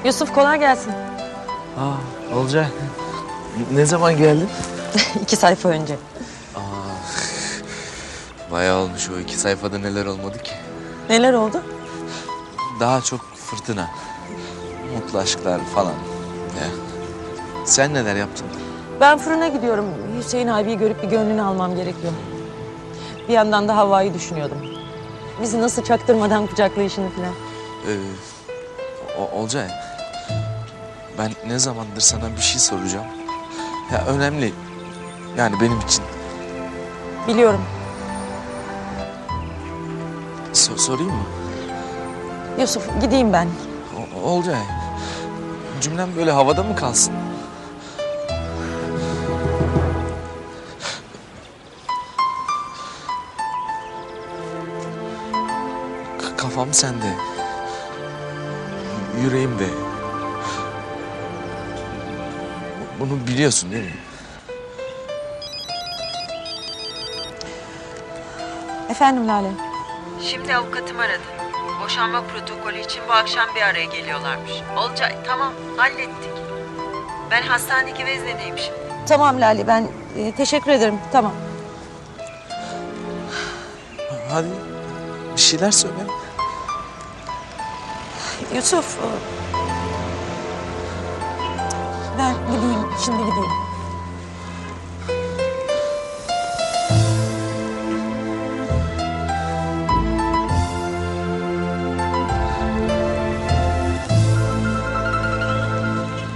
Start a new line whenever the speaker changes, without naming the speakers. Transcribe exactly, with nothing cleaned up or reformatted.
Yusuf kolay gelsin.
Aa, Olcay. Ne zaman geldin?
İki sayfa önce.
Bayağı olmuş o iki sayfada neler olmadı ki.
Neler oldu?
Daha çok fırtına. Mutlu aşklar falan. Ya. Sen neler yaptın?
Ben fırına gidiyorum. Hüseyin abiyi görüp bir gönlünü almam gerekiyor. Bir yandan da Havva'yı düşünüyordum. Bizi nasıl çaktırmadan kucaklayışını falan.
Ee, o- Olcay. Ben ne zamandır sana bir şey soracağım. Ya önemli. Yani benim için.
Biliyorum.
So- sorayım mı?
Yusuf gideyim ben.
O- Olcay. Cümlem böyle havada mı kalsın? K- kafam sende. Yüreğimde. Bu- Bunu biliyorsun değil mi?
Efendim Lale.
Şimdi avukatım aradı. Boşanma protokolü için bu akşam bir araya geliyorlarmış. Olcay tamam hallettik. Ben hastanedeki veznedeyim şimdi.
Tamam Lale ben e, teşekkür ederim. Tamam.
Hadi bir şeyler söyle.
Yusuf. e, Ben gideyim. Şimdi gideyim.